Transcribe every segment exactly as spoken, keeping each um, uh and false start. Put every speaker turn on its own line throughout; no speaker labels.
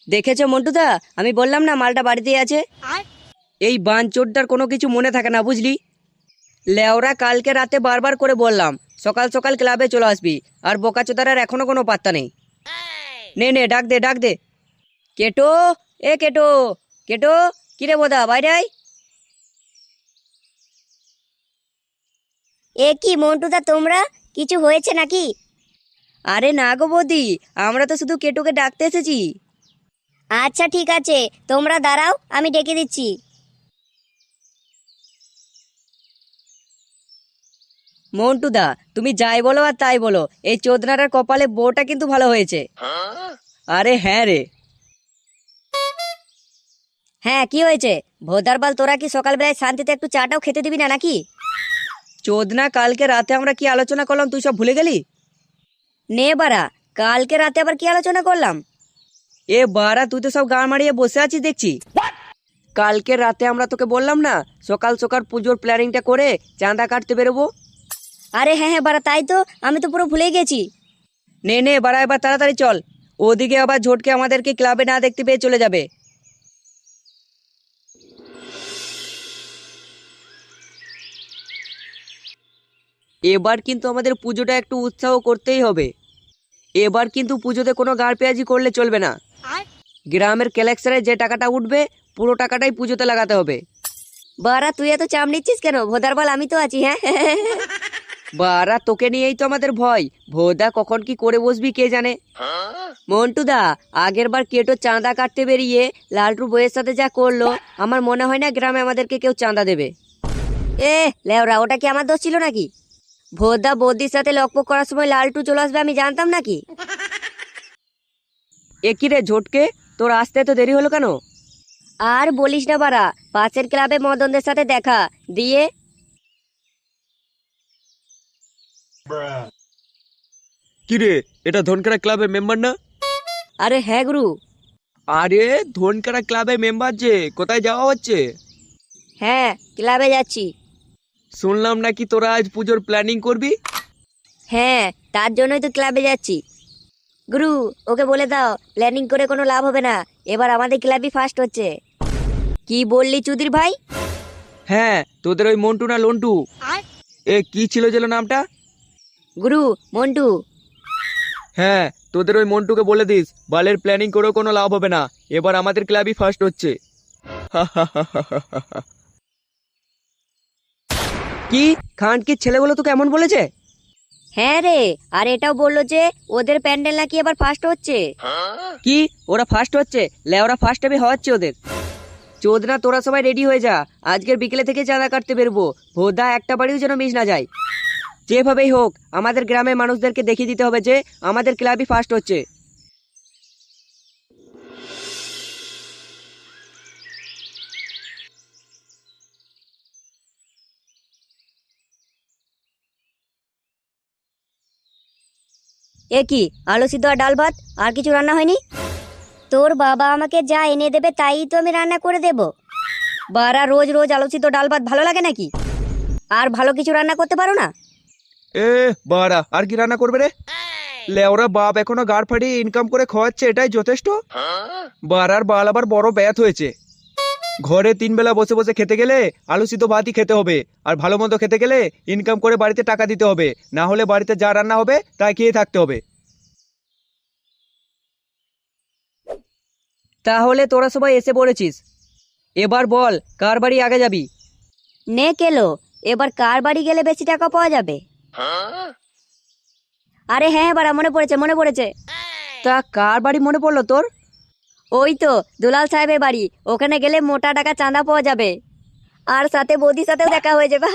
দেখেছো মন্টুদা, আমি বললাম না মালটা বাড়িতেই আছে। এই বাঞ্চোরটার কোনো কিছু মনে থাকে না বুঝলি। লেওরা কালকে রাতে বারবার করে বললাম সকাল সকাল ক্লাবে চলে আসবি, আর বোকাচোদার এখনো কোনো পাত্তা নেই। নে নে ডাক দে ডাক দে। কেটো, এ কেটো, কেটো, কিরে বোদা বাইরে আয়।
এ কি মন্টুদা, তোমরা কিছু হয়েছে নাকি?
আরে না গো বৌদি, আমরা তো শুধু কেটোকে ডাকতে এসেছি।
আচ্ছা ঠিক আছে, তোমরা দাঁড়াও, আমি ডেকে দিচ্ছি।
মন্টুদা, তুমি যাই বলো আর তাই বলো, এই চোদনাটার কপালে বউটা কিন্তু ভালো হয়েছে। আরে হ্যাঁ রে।
হ্যাঁ, কি হয়েছে? ভোদারবাল, তোরা কি সকালবেলায় শান্তিতে একটু চাটাও খেতে দিবি না নাকি?
চোদনা, কালকে রাতে আমরা কি আলোচনা করলাম তুই সব ভুলে গেলি?
নে বাড়া, কালকে রাতে আবার কি আলোচনা করলাম?
এ বারা, তুই তো সব গান মারিয়ে বসে আছিস দেখছি। কালকে রাতে আমরা তোকে বললাম না সকাল সকাল পুজোর প্ল্যানিংটা করে চাঁদা কাটতে বেরোবো।
আরে হ্যাঁ হ্যাঁ বাড়া, তাই তো, আমি তো পুরো ভুলে গেছি।
নে নে বারা, এবার তাড়াতাড়ি চল, ওদিকে আবার ঝটকে আমাদেরকে ক্লাবে না দেখতে পেয়ে চলে যাবে। এবার কিন্তু আমাদের পুজোটা একটু উৎসাহ করতেই হবে। এবার কিন্তু পুজোতে কোনো গাড় পেঁয়াজি করলে চলবে না। গ্রামের কালেকশনে যে টাকাটা উঠবে পুরো টাকাটাই পুজোতে লাগাতে হবে।
বাড়া, তুই এত চাপ নিচ্ছিস কেন? ভোদারবাল, আমি তো আছি। হ্যাঁ
বারা, তোকে নিয়েই তো আমাদের ভয়। ভোদা কখন কি করে বসবি কে জানে। মন্টুদা, আগের বার কেটো চাঁদা কাটতে বেরিয়ে লালটুর বইয়ের সাথে যা করলো, আমার মনে হয় না গ্রামে আমাদেরকে কেউ চাঁদা দেবে।
এ লেওরা, ওটা কি আমার দোষ ছিল নাকি? ভোদা বৌদির সাথে লকপক করার সময় লালটু চলে আসবে আমি জানতাম নাকি?
এ কি রে ঝটকে, তোর আসতে তো দেরি হলো কেন?
আর বলিস না বাড়া, পাশের ক্লাবে মদনদের সাথে দেখা দিয়ে।
কিরে, এটা ধনকারা ক্লাবের মেম্বার না?
আরে হ্যাঁ গুরু।
আরে ধনকারা ক্লাবের মেম্বার যে, কোথায় যাওয়া হচ্ছে?
হ্যাঁ, ক্লাবে যাচ্ছি।
শুনলাম নাকি তোরা আজ পুজোর প্ল্যানিং করবি।
হ্যাঁ, তার জন্যই তো ক্লাবে যাচ্ছি। গুরু, ওকে বলে দাও প্ল্যানিং করে কোনো লাভ হবে না, এবার আমাদের ক্লাবই ফার্স্ট হচ্ছে। কি বললি চুদির ভাই?
হ্যাঁ, তোদের ওই মন্টু না লন্টু, এ কি ছিল যেন নামটা?
গুরু, মন্টু।
হ্যাঁ, তোদের ওই মন্টুকে বলে দিস বালের প্ল্যানিং করেও কোনো লাভ হবে না, এবার আমাদের ক্লাবই ফার্স্ট হচ্ছে।
কি খানকির ছেলেগুলো তোকে এমন বলেছে?
হ্যাঁ রে, আর এটাও বললো যে ওদের প্যান্ডেল নাকি এবার ফার্স্ট হচ্ছে।
কি ওরা ফার্স্ট হচ্ছে? লেওরা ফার্স্ট টাইমে হওয়াচ্ছে ওদের। চোদনা, তোরা সবাই রেডি হয়ে যা, আজকের বিকেলে থেকে চাঁদা কাটতে বেরবো। ভোদা একটা বাড়িও যেন মিস না যায়। যেভাবেই হোক আমাদের গ্রামের মানুষদেরকে দেখিয়ে দিতে হবে যে আমাদের ক্লাবই ফার্স্ট হচ্ছে।
এ কি, আলু সিদ্ধ আর ডাল ভাত, আর কিছু রান্না হয়নি? তোর বাবা আমাকে যা এনে দেবে তাই তো আমি রান্না করে দেব। বারা, রোজ রোজ আলু সিদ্ধ ডাল ভাত ভালো লাগে নাকি? আর ভালো কিছু রান্না করতে পারো না?
এ বাড়া, আর কি রান্না করবে রে? লেওরা বাপ এখনো গাড় ফাটিয়ে ইনকাম করে খাওয়াচ্ছে, এটাই যথেষ্ট। বাড়ার বাল আবার বড় ব্যাথ হয়েছে। ঘরে তিন বেলা বসে বসে খেতে গেলে আলু সিদ্ধ ভাতই খেতে হবে, আর ভালো মন্দ খেতে গেলে ইনকাম করে বাড়িতে টাকা দিতে হবে, না হলে বাড়িতে যা রান্না হবে তাই খেয়ে থাকতে হবে।
তাহলে তোরা সবাই এসে পড়েছিস, এবার বল কার বাড়ি আগে যাবি?
নে কেলো, এবার কার বাড়ি গেলে বেশি টাকা পাওয়া যাবে? আরে হ্যাঁ বাড়া, মনে পড়েছে মনে পড়েছে।
তা কার বাড়ি মনে পড়লো তোর?
ওই তো দুলাল সাহেবের বাড়ি, ওখানে গেলে মোটা টাকা চাঁদা পাওয়া যাবে, আর সাথে বৌদির সাথেও দেখা হয়ে যাবে।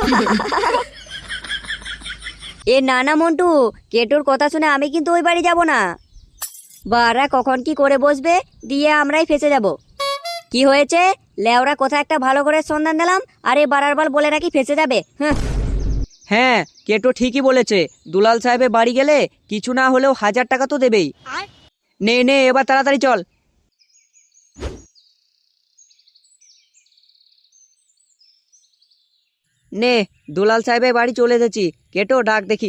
এ না না মন্টু, কেটুর কথা শুনে আমি কিন্তু ওই বাড়ি যাব না। বারা কখন কি করে বসবে, দিয়ে আমরাই ফেসে যাব। কি হয়েছে? লেওরা কোথায় একটা ভালো করে সন্ধান দিলাম, আরে বারার বাল বলে নাকি ফেসে যাবে। হ্যাঁ
হ্যাঁ, কেটো ঠিকই বলেছে। দুলাল সাহেবের বাড়ি গেলে কিছু না হলেও হাজার টাকা তো দেবেই। নে নে এবার তাড়াতাড়ি চল। নে, দুলাল সাহেবের বাড়ি চলে এসেছি। কেটো ডাক দেখি।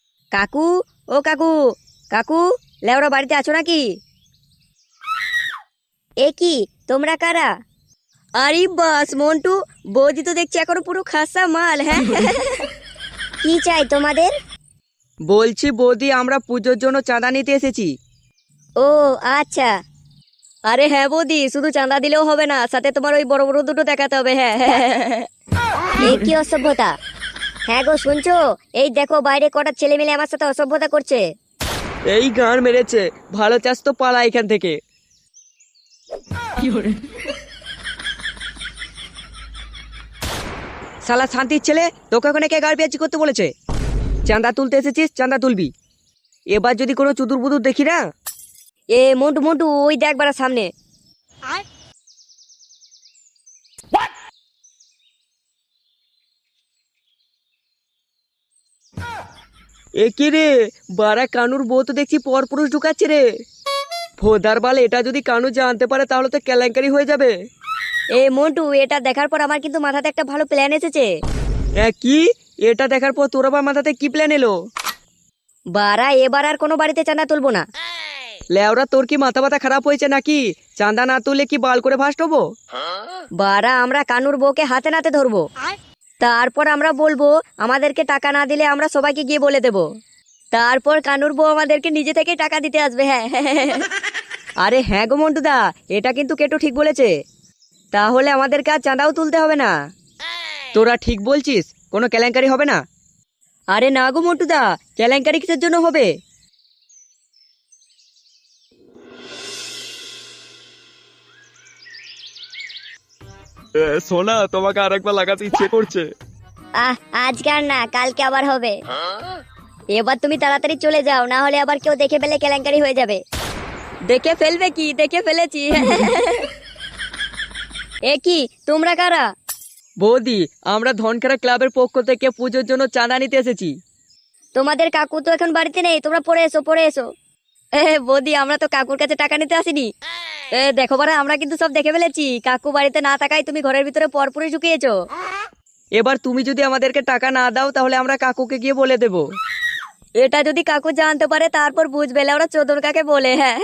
কাকু, ও কাকু, কাকু, লেওরা বাড়িতে আছো নাকি? এ কি তোমরা কারা? আরে বাস মন্টু, বৌদি তো দেখছি এখনো পুরো খাসা মাল। হ্যাঁ কি চাই তোমাদের?
বলছি বৌদি, আমরা পুজোর জন্য চাঁদা নিতে এসেছি।
ও আচ্ছা। আরে হ্যাঁ বৌদি, শুধু চাঁদা দিলেও হবে না, সাথে তোমার ওই বড় বড় দুটো দেখাতে হবে। হ্যাঁ এই কি অসভ্যতা! হ্যাঁ গো শুনছো? এই দেখো বাইরে কটা ছেলে মিলে আমার সাথে অসভ্যতা করছে।
এই গান মেরেছে, ভালো চাষ তো পালা এখান থেকে। শালা শান্তির ছেলে, তোকে ওখানে কে গাড় পেঁয়াজি করতে বলেছে? চাঁদা তুলতে এসেছিস, চাঁদা তুলবি। এবার যদি কোনো চুদুর বুদুর দেখি না।
এ মন্টু মন্টু, ওই দেখ বাড়া সামনে।
এ কি রে, বারা কানুর বউ তো দেখছি পরপুরুষ ঢুকাচ্ছে রে। ভোদার বাল, এটা যদি কানু জানতে পারে তাহলে তো কেলেঙ্কারি হয়ে যাবে।
এ মন্টু, এটা দেখার পর আমার কিন্তু মাথাতে একটা ভালো প্ল্যান এসেছে।
হ্যাঁ কি? এটা দেখার পর তোর আবার মাথাতে কি প্ল্যান এলো?
বারা এবার আর কোনো বাড়িতে চাঁদা তুলবো না।
লেওরা, তোর কি মাথা ব্যথা খারাপ হয়েছে নাকি? চাঁদা না তুললে কি বাল করে ভাস হবো?
বারা আমরা কানুর বউকে হাতে নাতে ধরবো, তারপর আমরা বলবো আমাদেরকে টাকা না দিলে আমরা সবাইকে গিয়ে বলে দেব। তারপর কানুর বউ আমাদেরকে নিজে থেকে টাকা দিতে আসবে। হ্যাঁ
আরে হ্যাঁ গো মন্টুদা, এটা কিন্তু কেটো ঠিক বলেছে। তাহলে আমাদেরকে আর চাঁদাও তুলতে হবে না। তোরা ঠিক বলছিস, কোনো কেলেঙ্কারি হবে না। আরে না গো মন্টুদা, কেলেঙ্কারি কিসের জন্য হবে?
সোনা, তোমাকে আরেকবার লাগাতে ইচ্ছে করছে।
আহ আজকে আর না, কালকে আবার হবে। এবার তুমি তাড়াতাড়ি চলে যাও, না হলে আবার কেউ দেখে ফেলে কেলেঙ্কারি হয়ে যাবে।
দেখে ফেলবে কি? দেখে ফেলেছি।
এ কি তোমরা কারা?
বৌদি, আমরা ধনখেরা ক্লাবের পক্ষ থেকে পুজোর জন্য চাঁদা নিতে এসেছি।
তোমাদের কাকু তো এখন বাড়িতে নেই, তোমরা পড়ে এসো পড়ে এসো। এ বৌদি, আমরা তো কাকুর কাছে টাকা নিতে আসিনি। এ দেখো বারা, আমরা কিন্তু সব দেখে ফেলেছি। কাকু বাড়িতে না থাকায় তুমি ঘরের ভিতরে পরপুরে ঢুকিয়েছো।
এবার তুমি যদি আমাদেরকে টাকা না দাও তাহলে আমরা কাকুকে গিয়ে বলে দেব।
এটা যদি কাকু জানতে পারে তারপর বুঝবে ওরা চোদন কাকে বলে। হ্যাঁ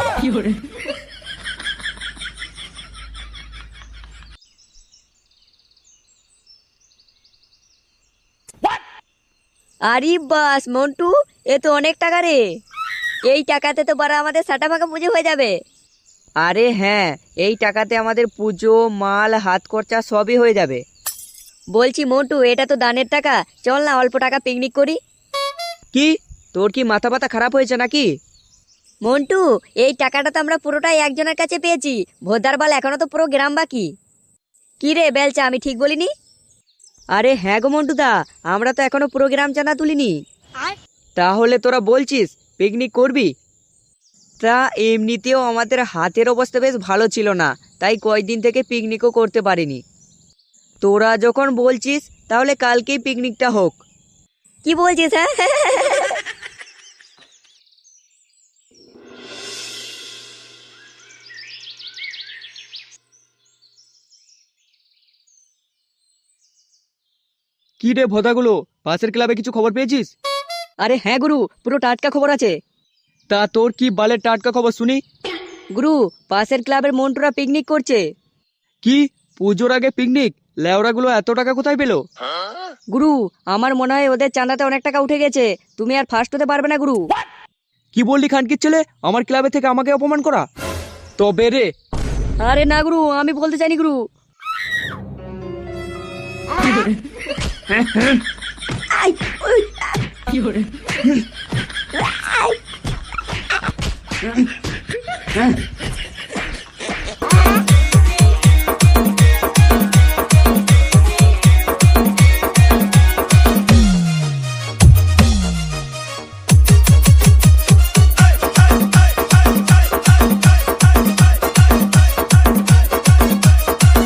আরে বাস মন্টু, এ তো অনেক টাকা রে। এই টাকাতে তো বারা আমাদের সাটা ফাঁকা পুজো হয়ে যাবে।
আরে হ্যাঁ, এই টাকাতে আমাদের পুজো, মাল, হাত খরচা সবই হয়ে যাবে।
বলছি মন্টু, এটা তো দানের টাকা, চল না অল্প টাকা পিকনিক করি।
কি, তোর কি মাথা ব্যথা খারাপ হয়েছে নাকি?
মন্টু, এই টাকাটা তো আমরা পুরোটাই একজনের কাছে পেয়েছি। ভোদার বাল, এখনো তো পুরো গ্রাম বাকি। কি রে বেলচা, আমি ঠিক বলিনি?
আরে হ্যাঁ গো মন্টুদা, আমরা তো এখনো প্রোগ্রাম চাঁদা তুলিনি। তাহলে তোরা বলছিস পিকনিক করবি? তা এমনিতেও আমাদের হাতের অবস্থা বেশ ভালো ছিল না, তাই কয়েকদিন থেকে পিকনিকও করতে পারিনি। তোরা যখন বলছিস তাহলে কালকেই পিকনিকটা হোক।
কি বলছিস? হ্যাঁ
কি রে ভোদাগুলো, পাশের ক্লাবে কিছু খবর পেয়েছিস?
আরে হ্যাঁ গুরু, পুরো টাটকা খবর আছে।
তা তোর কি বালের টাটকা খবর শুনি।
গুরু, পাশের ক্লাবের মন্টুরা পিকনিক করছে।
কি, পুজোর আগে পিকনিক? লেওড়াগুলো এত টাকা কোথায় পেলো?
গুরু, আমার মনে হয় ওদের চাঁদাতে অনেক টাকা উঠে গেছে। তুমি আর ফার্স্ট হতে পারবে না গুরু।
কি বললি খানকির ছেলে, আমার ক্লাবে থেকে আমাকে অপমান করা? তবে রে।
আরে না গুরু, আমি বলতে চাইনি গুরু। কি করে